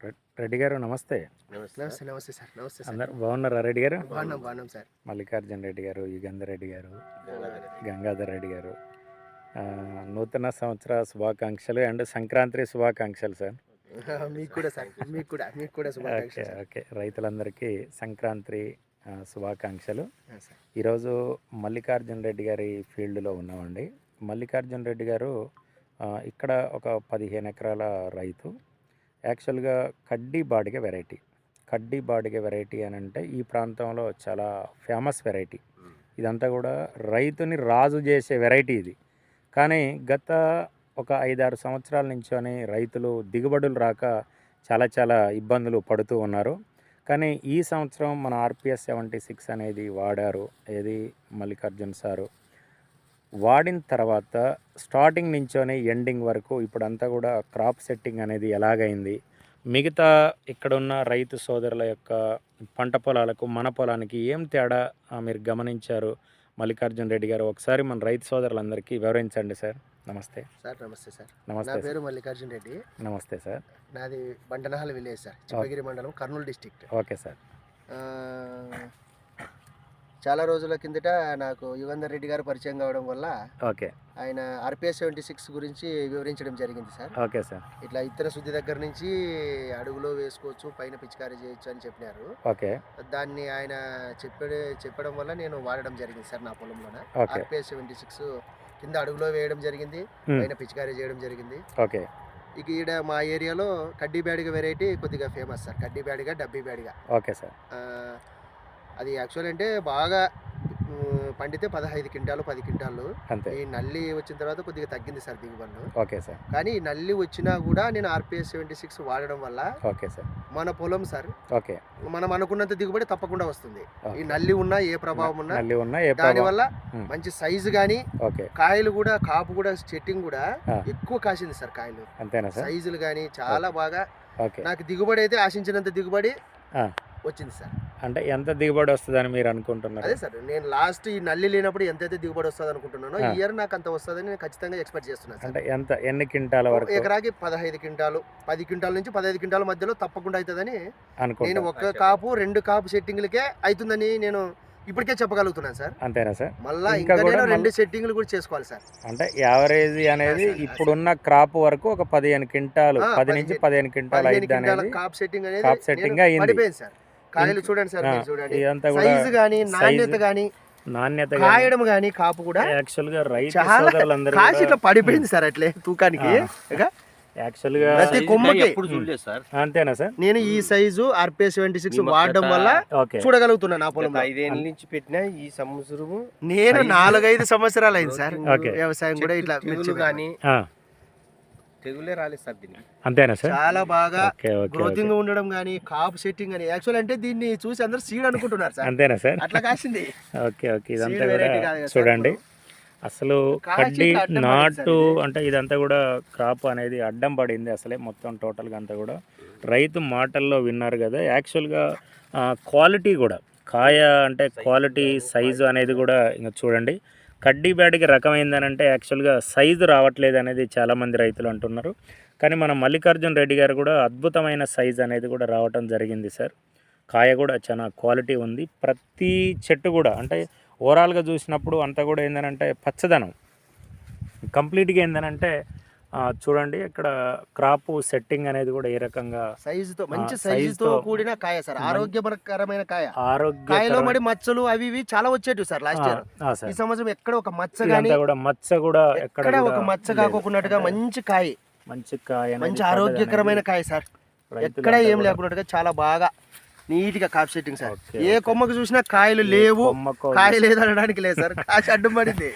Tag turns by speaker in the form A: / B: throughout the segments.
A: రెడ్డి గారు నమస్తే.
B: నమస్తే సార్.
A: అందరు బాగున్నారా రెడ్డి గారు?
B: బాగున్నాం సార్.
A: మల్లికార్జున రెడ్డి గారు, యుగంధర్ రెడ్డి గారు, గంగాధర్ రెడ్డి గారు, నూతన సంవత్సర శుభాకాంక్షలు అండ్ సంక్రాంతి శుభాకాంక్షలు సార్.
B: మీకు కూడా సార్, మీకు కూడా
A: ఓకే
B: శుభాకాంక్షలు సార్.
A: ఓకే, రైతులందరికీ సంక్రాంతి శుభాకాంక్షలు.
B: సార్.
A: ఈరోజు మల్లికార్జున రెడ్డి గారి ఫీల్డ్లో ఉన్నామండి. మల్లికార్జున రెడ్డి గారు ఇక్కడ ఒక 15 ఎకరాల రైతు. యాక్చువల్గా కడ్డీ బాడిగ వెరైటీ అని అంటే ఈ ప్రాంతంలో చాలా ఫేమస్ వెరైటీ. ఇదంతా కూడా రైతుని రాజు చేసే వెరైటీ ఇది. కానీ గత ఒక 5-6 సంవత్సరాల నుంచోని రైతులు దిగుబడులు రాక చాలా ఇబ్బందులు పడుతూ ఉన్నారు. కానీ ఈ సంవత్సరం మన ఆర్పిఎస్ 76 అనేది వాడారు. ఏది మల్లికార్జున్ సారు వాడిన తర్వాత స్టార్టింగ్ నుంచోనే ఎండింగ్ వరకు ఇప్పుడంతా కూడా క్రాప్ సెట్టింగ్ అనేది ఎలాగైంది, మిగతా ఇక్కడున్న రైతు సోదరుల యొక్క పంట పొలాలకు మన పొలానికి ఏం తేడా మీరు గమనించారు మల్లికార్జున రెడ్డి గారు? ఒకసారి మన రైతు సోదరులందరికీ వివరించండి సార్. నమస్తే
B: సార్. నమస్తే సార్.
A: నమస్తే.
B: నా పేరు మల్లికార్జున రెడ్డి.
A: నమస్తే సార్.
B: నాది బండనహల్ విలేజ్ సార్, చిప్పగిరి మండలం, కర్నూలు డిస్టిక్ట్.
A: Okay sir.
B: చాలా రోజుల కిందట నాకు యుగంధర్ రెడ్డి గారు పరిచయం కావడం వల్ల
A: ఓకే
B: ఆయన ఆర్పిఎస్ 76 గురించి వివరించడం జరిగింది సార్.
A: Okay sir.
B: ఇట్లా ఇతర శుద్ధి దగ్గర నుంచి అడుగులో వేసుకోవచ్చు, పైన పిచికారీ చేయొచ్చు అని చెప్పినారు.
A: ఓకే.
B: దాన్ని ఆయన చెప్పడం వల్ల నేను వాడడం జరిగింది సార్ నా పొలంలోనే. ఆర్పిఎస్ 76 కింద అడుగులో వేయడం జరిగింది, పైన పిచికారీ చేయడం జరిగింది.
A: ఓకే.
B: ఇక ఈడ మా ఏరియాలో కడ్డీ బ్యాడిగ వెరైటీ కొద్దిగా ఫేమస్ సార్. కడ్డీ బ్యాడిగ, డబ్బీ బ్యాడిగ.
A: Okay sir.
B: అది యాక్చువల్ అంటే బాగా పండితే 15 క్వింటాలు 10 క్వింటాలు. ఈ నల్లి వచ్చిన తర్వాత కొద్దిగా తగ్గింది సార్ దిగుబడులు.
A: Okay sir.
B: కానీ ఈ నల్లి వచ్చినా కూడా నేను ఆర్పిఎస్ 76 వాడడం వల్ల
A: ఓకే సార్
B: మన పొలం సార్
A: ఓకే
B: మనం అనుకున్నంత దిగుబడి తప్పకుండా వస్తుంది. ఈ నల్లి ఉన్నా ఏ ప్రభావం ఉన్నా
A: దాని
B: వల్ల మంచి సైజు కానీ కాయలు కూడా కాపు కూడా సెట్టింగ్ కూడా ఎక్కువ కాసింది సార్. కాయలు
A: అంతేనా సార్?
B: సైజులు కానీ చాలా బాగా నాకు దిగుబడి అయితే ఆశించినంత దిగుబడి వచ్చింది సార్.
A: అంటే ఎంత దిగుబడి వస్తుందని మీరు అనుకుంటున్నారు?
B: అదే సార్, నేను లాస్ట్ ఈ నల్లి లేనప్పుడు ఎంతైతే దిగుబడి వస్తుంది అనుకుంటున్నానో ఈ ఇయర్ నాకు అంత వస్తుందని నేను ఖచ్చితంగా ఎక్స్పెక్ట్ చేస్తున్నాను.
A: అంటే ఎన్ని క్వింటాల వరకు?
B: ఎకరాకి 15 క్వింటాలు, 10 క్వింటాల నుంచి 15 క్వింటాల మధ్యలో తప్పకుండా అవుతుందని నేను ఒక కాపు 2 కాపు సెట్టింగ్లకే అవుతుందని నేను ఇప్పటికే చెప్పగలుగుతున్నాను సార్.
A: అంతేనా సార్?
B: మళ్ళీ ఇంకా నేను 2 సెట్టింగ్లు కూడా చేసుకోవాలి సార్.
A: అంటే యావరేజ్ అనేది ఇప్పుడున్న క్రాప్ వరకు ఒక 15 క్వింటాలు, 10 నుంచి 15 క్వింటాలు అయింది.
B: కాప్ సెట్టింగ్ అనేది పడిపోయింది సార్. కాయలు చూడండి సార్, చూడండి సైజు గానీ నాణ్యత కాయడం గానీ కాపు కూడా
A: యాక్చువల్ గా రైతు సోదరులందరూ
B: కాసి ఇట్లా పడిపోయింది సార్. అట్లే తూకానికి
A: యాక్చువల్ గా
B: ప్రతి కొమ్మకి.
A: అంతేనా సార్?
B: నేను ఈ సైజు ఆర్పిఎస్ 76 వాడడం వల్ల చూడగలుగుతున్నా. నా పొలం
C: 5 ఏళ్ళ నుంచి పెట్టిన ఈ సంవత్సరము
B: నేను 4-5 సంవత్సరాలు అయింది సార్ వ్యవసాయం కూడా. ఇట్లా
C: కానీ తెగులే రాలేదు సార్ దీనికి.
A: అంతేనా సార్?
B: చాలా బాగా గ్రోతింగ్ ఉండడం కానీ కాపు సెట్టింగ్ కానీ యాక్చువల్ అంటే దీన్ని చూసి అందరూ సీడ్ అనుకుంటున్నారు సార్.
A: అంతేనా సార్?
B: అట్లా కాసింది.
A: Okay okay. ఇదంతా కూడా చూడండి, అసలు కడ్డీ నాటు అంటే ఇదంతా కూడా క్రాప్ అనేది అడ్డం పడింది అసలే మొత్తం టోటల్గా అంతా కూడా. రైతు మాటల్లో విన్నారు కదా. యాక్చువల్గా క్వాలిటీ కూడా కాయ అంటే క్వాలిటీ సైజు అనేది కూడా ఇంకా చూడండి. కడ్డీ బ్యాడికి రకమైందని అంటే యాక్చువల్గా సైజు రావట్లేదు అనేది చాలామంది రైతులు అంటున్నారు. కానీ మన మల్లికార్జున రెడ్డి గారు కూడా అద్భుతమైన సైజు అనేది కూడా రావటం జరిగింది సార్. కాయ కూడా చాలా క్వాలిటీ ఉంది. ప్రతి చెట్టు కూడా అంటే ఓవరాల్గా చూసినప్పుడు అంతా కూడా ఏంటంటే పచ్చదనం కంప్లీట్గా ఏంటంటే చూడండి ఇక్కడ క్రాప్ సెట్టింగ్ అనేది కూడా ఏ రకంగా
B: సైజుతో మంచి సైజుతో కూడిన కాయ సార్. ఆరోగ్యకరమైన కాయ. కాయలో మరి మచ్చలు అవి ఇవి చాలా వచ్చేటివి సార్ లాస్ట్ ఇయర్. ఈ సంవత్సరం ఎక్కడ ఒక మచ్చ గానీ
A: మచ్చ కూడా
B: ఎక్కడ ఒక మచ్చ కాకోకున్నట్టుగా మంచి కాయ, మంచి ఆరోగ్యకరమైన కాయ సార్. ఎక్కడ ఏం లేకున్నట్టుగా చాలా బాగా నీట్ గా కాప్ సెట్టింగ్ సార్. ఏ కొమ్మకు చూసినా కాయలు లేవు, కాయ లేదు అనడానికి లేదు సార్. కాసి అడ్డం పడింది.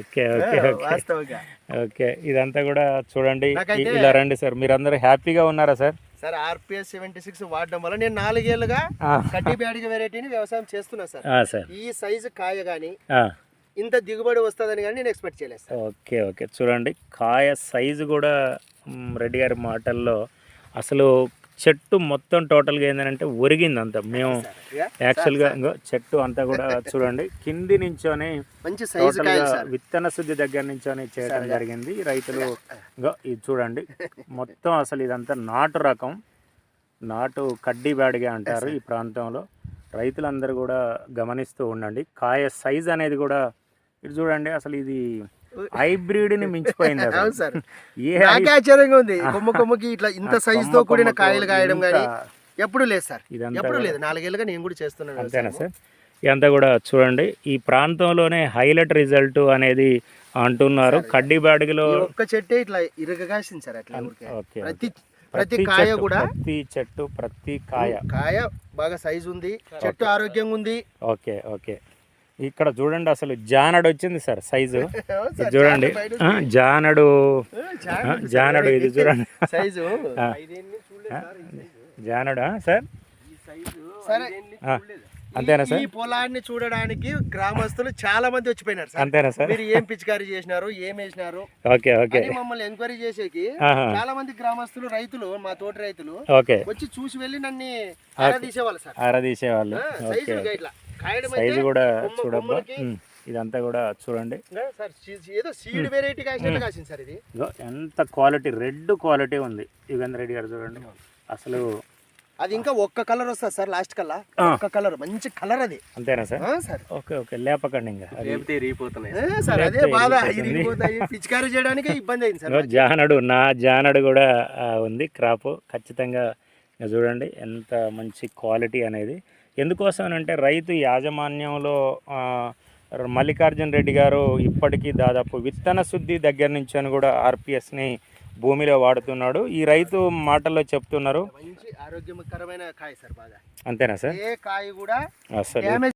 A: ఓకే. ఇదంతా కూడా చూడండి. ఇలా రండి సార్, మీరందరూ హ్యాపీగా ఉన్నారా సార్?
B: సార్ ఆర్పిఎస్ 76 వాడడం వల్ల నేను 4 ఏళ్ళుగా కడ్డీ బ్యాడిగ వెరైటీని వ్యవసాయం చేస్తున్నా సార్. ఈ సైజు కాయ గానీ ఇంత దిగుబడి వస్తుందని కానీ నేను ఎక్స్పెక్ట్ చేయలేదు సార్.
A: Okay okay. చూడండి కాయ సైజు కూడా రెడ్డి గారి మాటల్లో అసలు చెట్టు మొత్తం టోటల్గా ఏంటంటే ఒరిగింది అంతా. మేము యాక్చువల్గా చెట్టు అంతా కూడా చూడండి కింది నుంచోని
B: మంచి
A: విత్తన శుద్ధి దగ్గర నుంచోని చేయడం జరిగింది రైతులు. ఇది చూడండి మొత్తం అసలు ఇదంతా నాటు రకం. నాటు కడ్డీ బ్యాడ్గా అంటారు ఈ ప్రాంతంలో. రైతులందరూ కూడా గమనిస్తూ ఉండండి. కాయ సైజ్ అనేది కూడా ఇటు చూడండి, అసలు ఇది హైబ్రిడ్ని మించిపోయింది అసలు.
B: అవును సార్,
A: ఏ
B: నాకే ఆశ్చర్యంగా ఉంది. కొమ్మకి ఇట్లా ఇంత సైజ్ తో కూడిన కాయలు కాయడం కానీ ఎప్పుడు లేదు సార్,
A: ఇదంతా
B: ఎప్పుడు లేదు. 4 ఏళ్ళుగా నేను కూడా చేస్తున్నాను.
A: అంతేనా సార్? ఇదంతా కూడా చూడండి, ఈ ప్రాంతంలోనే హైలైట్ రిజల్ట్ అనేది అంటున్నారు. కడ్డీ బ్యాడ్లో
B: ఒక్క చెట్టే ఇట్లా ఇరగగాసింది సార్. అట్లా
A: ఓకే,
B: ప్రతి కాయ కూడా,
A: ప్రతి చెట్టు ప్రతి కాయ
B: బాగా సైజు ఉంది, చెట్టు ఆరోగ్యంగా ఉంది.
A: Okay okay. ఇక్కడ చూడండి, అసలు జానడు వచ్చింది సార్ సైజు. ఇది చూడండి, జానడు ఇది చూడండి
B: సైజు
A: జానడా సార్?
B: సరే,
A: అంతేనా సార్?
B: ఈ పొలాన్ని చూడడానికి గ్రామస్తులు చాలా మంది వచ్చిపోయినారు సార్.
A: అంతేనా సార్?
B: మీరు ఏం పిచికారీ చేసినారు, ఏం వేసినారు
A: ఓకే ఓకే.
B: మమ్మల్ని ఎంక్వైరీ చేసేకి చాలా మంది గ్రామస్తులు, రైతులు, మా తోటి రైతులు
A: ఓకే
B: వచ్చి చూసి వెళ్ళి నన్ను ఆరాధీసేవాళ్ళు సార్.
A: ఆరాధీసేవాళ్ళు. ఓకే, సైజు కూడా చూడబ్బా. ఇదంతా కూడా చూడండి
B: ఏదో సీడ్ వెరైటీ కాసింది సార్. ఇది
A: ఎంత క్వాలిటీ, రెడ్ క్వాలిటీ ఉంది. యుగేంద్ర రెడ్డి గారు చూడండి, అసలు
B: అది ఇంకా ఒక్క కలర్ వస్తుంది సార్ లాస్ట్ కల్లా. ఒక్క కలర్, మంచి కలర్ అది.
A: అంతేనా సార్?
B: సార్
A: ఓకే ఓకే, లేపకండి ఇంకా
B: సార్. అదే బాధ, పిచికారీ చేయడానికి ఇబ్బంది అయింది సార్.
A: జానడు కూడా ఉంది క్రాప్. ఖచ్చితంగా చూడండి ఎంత మంచి క్వాలిటీ అనేది. ఎందుకోసం అంటే రైతు యాజమాన్యంలో మల్లికార్జున రెడ్డి గారు ఇప్పటికీ దాదాపు విత్తన శుద్ధి దగ్గర నుంచి అని కూడా ఆర్పిఎస్ని భూమిలో వాడుతున్నాడు. ఈ రైతు మాటల్లో చెప్తున్నారు,
B: మంచి ఆరోగ్యకరమైన కాయ సార్. బాగా
A: అంతేనా సార్?
B: ఏ కాయ కూడా
A: అసలు